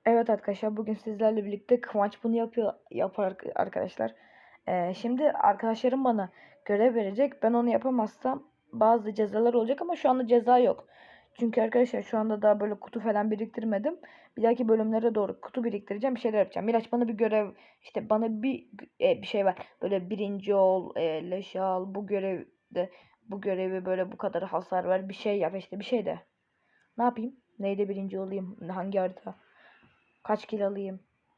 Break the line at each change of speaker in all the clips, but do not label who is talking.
Evet arkadaşlar, bugün sizlerle birlikte Kıvanç bunu yapar arkadaşlar. Şimdi arkadaşlarım bana görev verecek. Ben onu yapamazsam bazı cezalar olacak ama şu anda ceza yok. Çünkü arkadaşlar şu anda daha böyle kutu falan biriktirmedim. Bir dahaki bölümlere doğru kutu biriktireceğim, bir şeyler yapacağım. Miraç bana bir görev, işte bana bir şey var. Böyle birinci ol, leş al, bu görevi böyle bu kadar hasar ver, bir şey yap, işte bir şey de. Ne yapayım? Neyde birinci olayım? Hangi harita? Kaç kill alayım?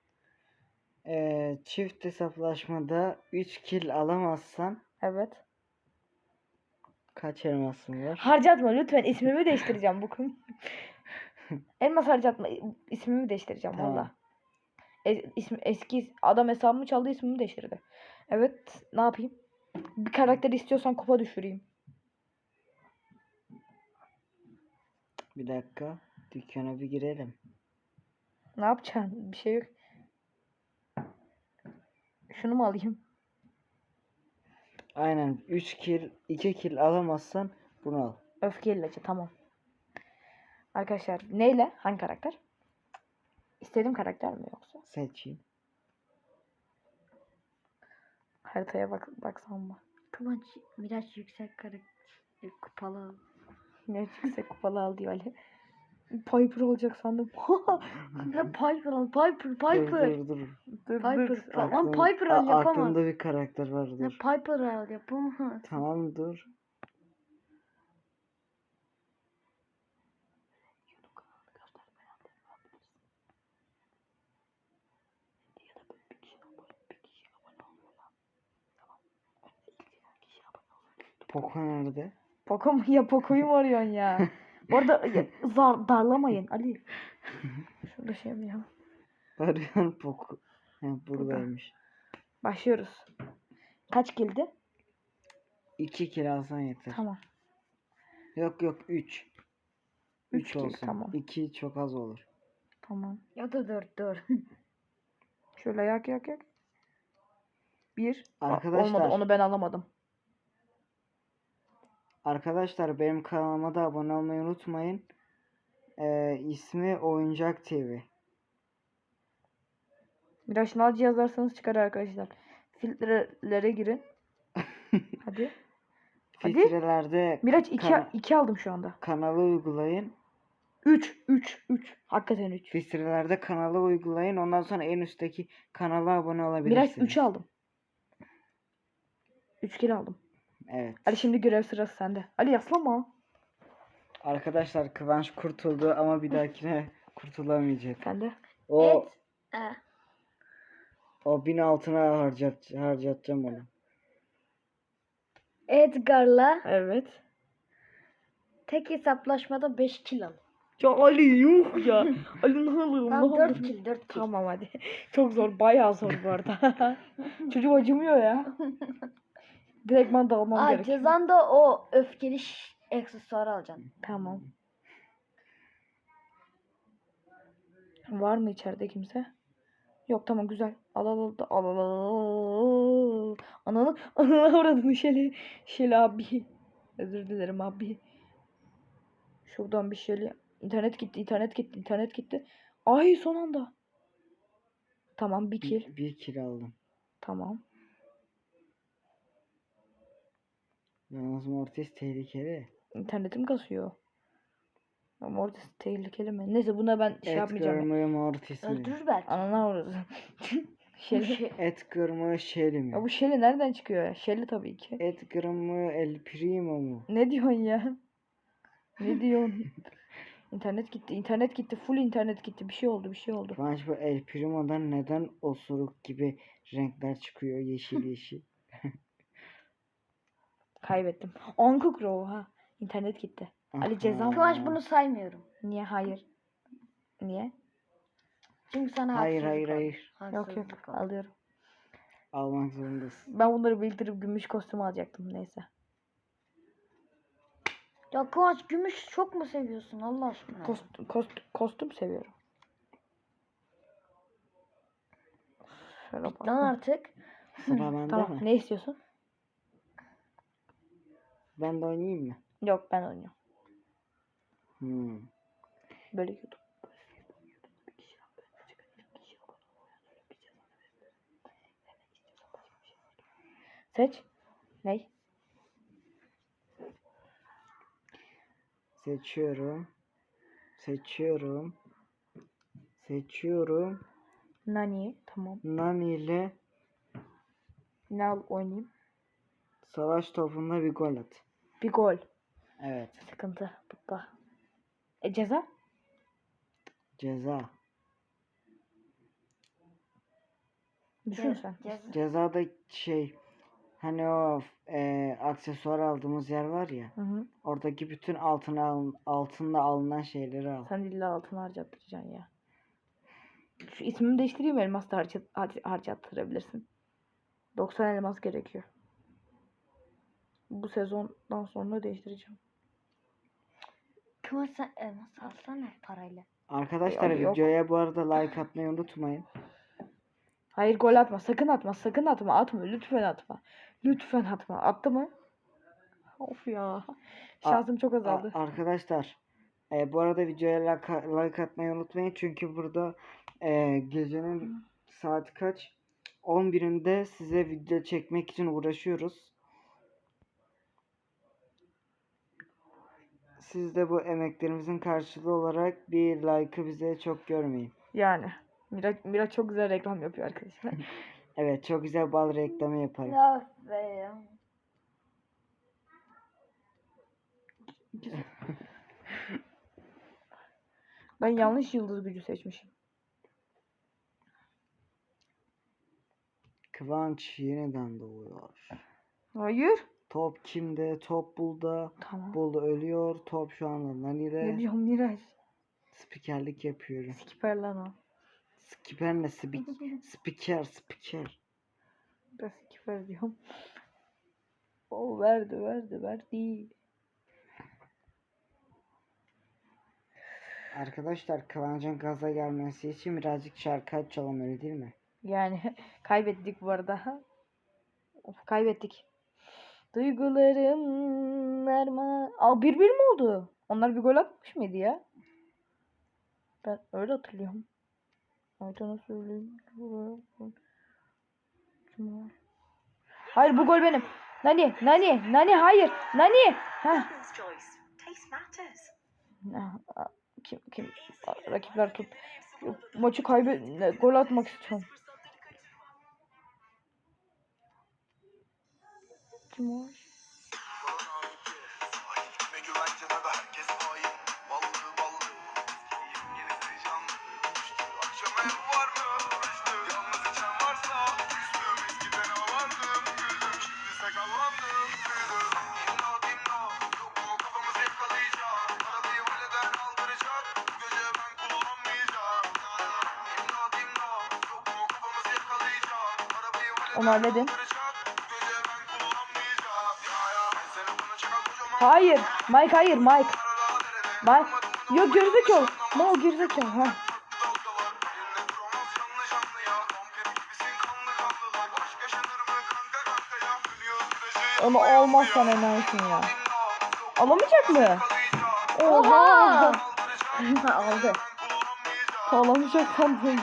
Çift hesaplaşmada 3 kill alamazsan
Evet.
kaç elmasın var?
Harcatma lütfen, ismimi değiştireceğim bu konu. Elmas harcatma, ismimi değiştireceğim
Tamam.
valla. Eski adam hesabımı çaldı, ismimi değiştirdi. Evet, ne yapayım? Bir karakter istiyorsan kupa düşüreyim.
Bir dakika. Dükkana bir girelim.
Ne yapacaksın? Bir şey yok. Şunu mu alayım?
Aynen 3 kill 2 kill alamazsan bunu al.
Öfke ilacı, tamam. Arkadaşlar neyle? Hangi karakter? İstediğim karakter mi yoksa?
Seçeyim.
Haritaya baksam mı?
Kıvanç Miraç yüksek karakter kupalı.
Ne yüksek kupalı al diyor Ali. Piper olacak sandım.
Ne Piper al Piper.
Dur.
Dur.
Lan Piper al yapamaz.
Aklımda bir karakter var
Ne
dur.
Piper al yapamaz.
Tamam dur. Poco nerede?
Poco mu? Ya Poco'yu mu arıyorsun ya? Bu arada darlamayın Ali. Şurada şey mi ya?
Arayan Poco. Ha, buradaymış.
Başlıyoruz. Kaç kildi?
2 kill alsan yeter.
Tamam.
Yok 3. 3
kill,
olsun.
tamam.
2 çok az olur.
Tamam.
Ya da 4.
Şöyle yak. Bir.
Arkadaşlar.
Olmadı, onu ben alamadım.
Arkadaşlar benim kanalıma da abone olmayı unutmayın. İsmi Oyuncak TV.
Biraz şınav yazarsanız çıkar arkadaşlar. Filtrelere girin. Hadi.
Filtrelerde
Miraç 2 aldım şu anda.
kanalı uygulayın.
3. Hakikaten 3.
Filtrelerde kanalı uygulayın. Ondan sonra en üstteki kanala abone olabilirsiniz.
Miraç 3 aldım. 3 kilo aldım.
Evet.
Ali şimdi görev sırası sende. Ali yaslama.
Arkadaşlar Kıvanç kurtuldu ama bir dahakine kurtulamayacak.
Sende.
O
Evet.
o 1000 altına harcatacağım onu.
Edgar'la
Evet.
tek hesaplaşmada 5 kill al.
Ya Ali yuh ya. Ali ne olur
Tamam
ne
4
olur.
kill 4 kill.
Tamam hadi. Çok zor, bayağı zor bu arada. Çocuk acımıyor ya. Direktman dalmam gerekiyor.
Cezan da o öfkeli aksesuarı alacaksın.
Tamam. Var mı içeride kimse? Yok, tamam, güzel. Al. Ananı avradını Şeli abi. Özür dilerim abi. Şuradan bir Şeli. İnternet gitti. Ay son anda. Tamam, bir kill.
Bir kill aldım.
Tamam.
Yalnız Mortis tehlikeli.
İnternetim kasıyor. Ama orada tehlikeli mi? Neyse, buna ben şey yapmayacağım.
Edgar mı Mortis mi?
Öldürür belki.
Ananı avradı. Şeli.
Edgar mı Shelly mi?
Ya bu Şeli nereden çıkıyor ya? Şeli tabii ki.
Edgar mı El Primo mu?
Ne diyorsun ya? Ne diyorsun? İnternet gitti. Full internet gitti. Bir şey oldu.
Kıvanç bu El Primo'dan neden osuruk gibi renkler çıkıyor yeşil?
Kaybettim. Anka Crow ha. İnternet gitti. Ali cezam.
Kıvanç bunu saymıyorum.
Niye? Hayır. Niye?
Çünkü sana
Hayır.
Yok. Alıyorum.
Almak zorundasın.
Ben bunları biriktirip gümüş kostüm alacaktım. Neyse.
Ya Kıvanç gümüş çok mu seviyorsun Allah aşkına?
Kostüm seviyorum. Şöyle
Lan
bak.
artık.
Sıra bende
Tamam.
mi?
Ne istiyorsun?
Ben de oynayayım mı?
Yok, ben oynuyorum.
Hmm.
Böyle YouTube. Seç. Ney?
Seçiyorum. Seçiyorum.
Nani. Tamam.
Nani ile
Ne al oynayayım?
savaş topunda bir gol at.
Bir gol.
Evet.
Sıkıntı. Butta. Ceza?
Ceza.
Düşün sen.
Cezada hani o aksesuar aldığımız yer var ya.
Hı hı.
Oradaki bütün altınla alınan şeyleri al.
Sen illa altın harcattıracaksın ya. Şu ismimi değiştireyim, elmas da harcattırabilirsin. 90 elmas gerekiyor. Bu sezondan sonra değiştireceğim.
Kıvanç sen elmas alsana parayla.
Arkadaşlar
Abi yok.
videoya bu arada like atmayı unutmayın.
Hayır, gol atma. Sakın atma. Sakın atma. Atma. Lütfen atma. Lütfen atma. Attı mı? Of ya. Şansım çok azaldı.
Arkadaşlar bu arada videoya like atmayı unutmayın. Çünkü burada gecenin saat kaç? 11'inde size video çekmek için uğraşıyoruz. Siz de bu emeklerimizin karşılığı olarak bir like'ı bize çok görmeyin.
Yani. Miraç çok güzel reklam yapıyor arkadaşlar.
Evet, çok güzel bal reklamı yaparım.
Ya be.
Ben yanlış yıldız gücü seçmişim.
Kıvanç yeniden doğuyor.
Hayır.
Top kimde? Top Bul'da.
Tamam.
Bul ölüyor. Top şu anda
Ne
Nani'de.
diyorsun Miraç?
Spikerlik yapıyorum.
Skiper lan o.
Spiker ne? Spiker.
Ben skiper diyorum. O verdi.
Arkadaşlar Kıvanç'ın gaza gelmesi için birazcık şarkı açalım, öyle değil mi?
Yani kaybettik bu arada. Of, kaybettik. Duygularım erma. Aa, 1-1 mi oldu? Onlar bir gol atmış mıydı ya? Ben öyle hatırlıyorum. Aytan'a söyleyeyim. Hayır, bu gol benim. Nani hayır. Nani. Ha. Kim? Rakipler tut. Maçı gol atmak istiyorum. Kim o? Onu halledin. Hayır. Mike. Yok, gerizekalı. No, gerizekalı. Ha. Onu almazsan enayisin ya. Alamayacak mı? Oha.
Aldı.
Alamayacak sandım.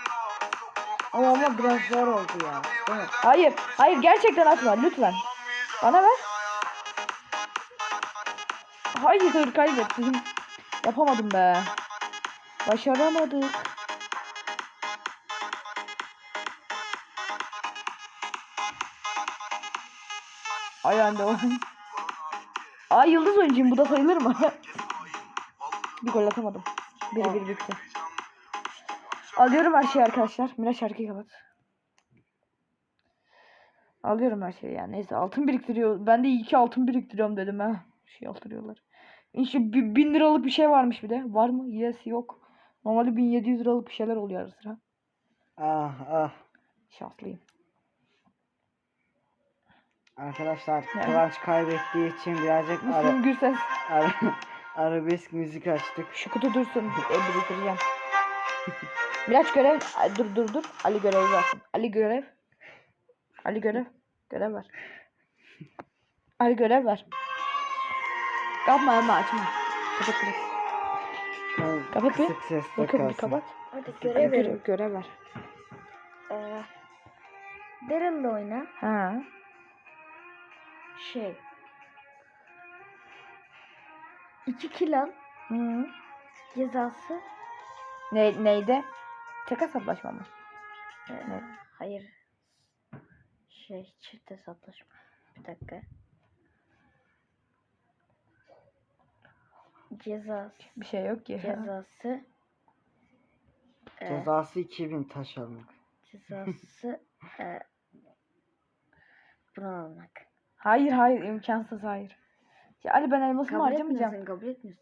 Ama biraz zor oldu ya. Değil mi?
Hayır, gerçekten atma lütfen. Bana ver. Hayır, kaybettim. Yapamadım be. Başaramadık. Ay anne o. Ay, yıldız oyuncuyum, bu da sayılır mı? Bir gol atamadım. 1-1 bitti. Alıyorum her şeyi arkadaşlar. Miraç şarkıyı kapat. Alıyorum her şeyi yani. Neyse, altın biriktiriyor. Ben de 2 altın biriktiriyorum dedim ha. Şey altırıyorlar. İşte 1000 liralık bir şey varmış bir de. Var mı? Yes, yok. Normalde 1700 liralık bir şeyler oluyor ara sıra.
Ah.
Şanslıyım.
Arkadaşlar
Yani.
Kıvanç kaybettiği için birazcık
Müslüm Gürses.
arabesk müzik açtık.
Şu kutu dursun. Biriktireceğim. Miraç görev. Ay, dur. Ali görevi versin. Ali görev. Görev ver. Ali görev ver. Kapma açma. Kapat. Kapat bir.
Kısık sesle
Bakın bir
kalsın.
kapat.
Hadi
Görev
görev.
görev ver.
Daryl'la oyna.
Ha.
Şey. 2 kill al.
Hı.
Cezası.
Neydi? Tek hesaplaşma mı?
Evet. Hayır. Şey, çift hesaplaşma. Bir dakika. Cezası.
Bir şey yok ki.
Cezası.
Cezası 2000 taş almak.
Cezası. Bunu almak.
Hayır imkansız hayır. Ya Ali ben elmasımı
Kabul
harcamayacağım.
etmiyorsun, kabul etmiyorsun.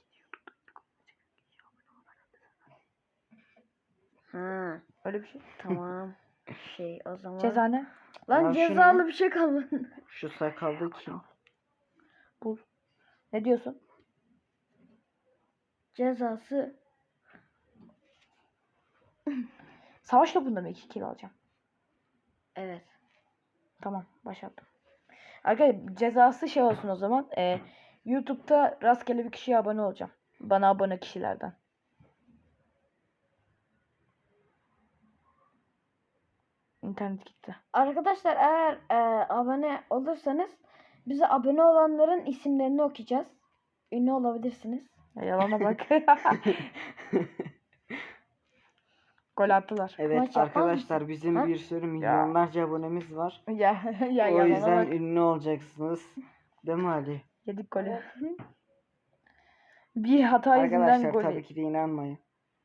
Ha,
Öyle bir şey.
tamam. Şey, o zaman.
Ceza ne?
Lan
Ya
cezalı
şunu-
bir şey kalmadı.
Şu sakallı kim?
Bul. Ne diyorsun?
Cezası.
Savaş topunda mı 2 kill alacağım?
Evet.
Tamam başlattım. Arkadaşlar cezası şey olsun o zaman. YouTube'da rastgele bir kişiye abone olacağım. Bana abone kişilerden. İnternet gitti.
Arkadaşlar eğer abone olursanız bize abone olanların isimlerini okuyacağız. Ünlü olabilirsiniz.
Ya yalana bak. Gol attılar.
Evet
Maç yapmaz
arkadaşlar
mısın?
bizim
Ha?
bir sürü milyonlarca abonemiz var.
Ya
O
yalana
yüzden
bak.
ünlü olacaksınız. Değil mi Ali?
Yedik golü. Bir hata yüzünden
Arkadaşlar
gol.
tabii ki de inanmayın.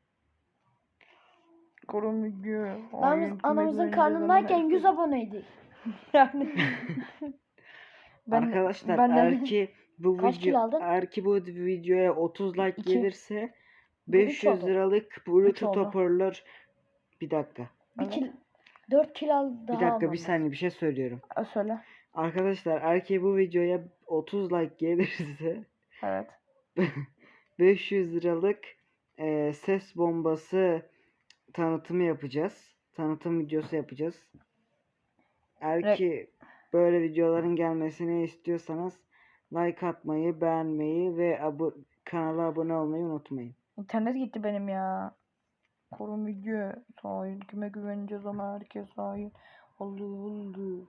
Korumcu.
Lan biz anamızın karnındayken 100 aboneydik.
Yani.
Arkadaşlar
ben de-
Kaç kilo aldın?
eğer ki bu videoya 30 like
İki.
gelirse
Bu üç
500
oldu.
liralık Bluetooth
oldu.
hoparlör. Bir dakika.
Evet.
4 kilo al daha
Bir dakika
almam
bir saniye bir şey söylüyorum.
Söyle.
Arkadaşlar eğer ki bu videoya 30 like gelirse
Evet.
500 liralık ses bombası tanıtımı yapacağız. Tanıtım videosu yapacağız. Eğer ki böyle videoların gelmesini istiyorsanız like atmayı, beğenmeyi ve kanala abone olmayı unutmayın.
İnternet gitti benim ya. Korumcu. Sahil. Kime güveneceğiz ama herkes sahil. Oldu.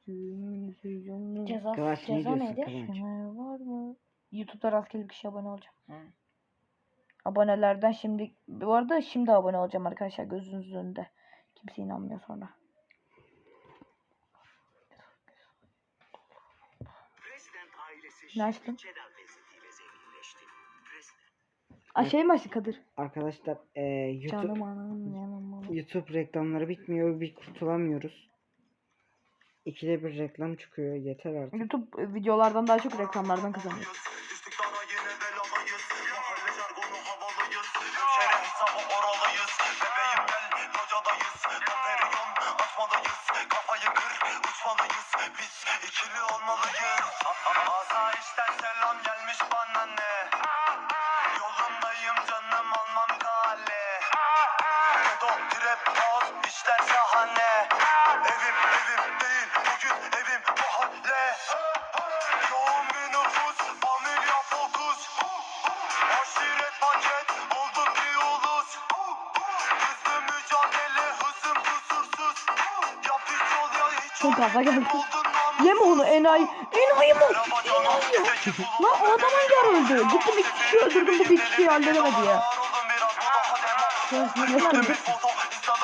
Kıvanç ne
Ceza
diyorsun
neydi?
Kıvanç?
Var mı? YouTube'da rastgele bir kişi abone olacağım.
Hı.
Abonelerden şimdi bu arada şimdi abone olacağım arkadaşlar gözünüzün önünde. Kimse inanmıyor sonra. Ne açtın? Şey mi açtı Kadir?
Arkadaşlar
Canım anam yanım.
YouTube reklamları bitmiyor. Bir kurtulamıyoruz. İkide bir reklam çıkıyor. Yeter artık.
YouTube videolardan daha çok reklamlardan kazanıyor.
Asayişten selam gelmiş bana ne? Yolundayım canım almam kale. Kedo trap house işler şahane. Evim değil bugün evim mahalle. Yoğun bir nüfus familya fokus. Aşiret paket olduk bir ulus. Hızlı mücadele hızım kusursuz. Ya piç ol ya hiç
Çok gaza geldi.
oldun
Yeme onu enayi. Enayi mi? Enayi. Lan o adam hangi ara öldü? Gittim iki kişi öldürdüm bu bir kişiyi halledemedi ya.
Foto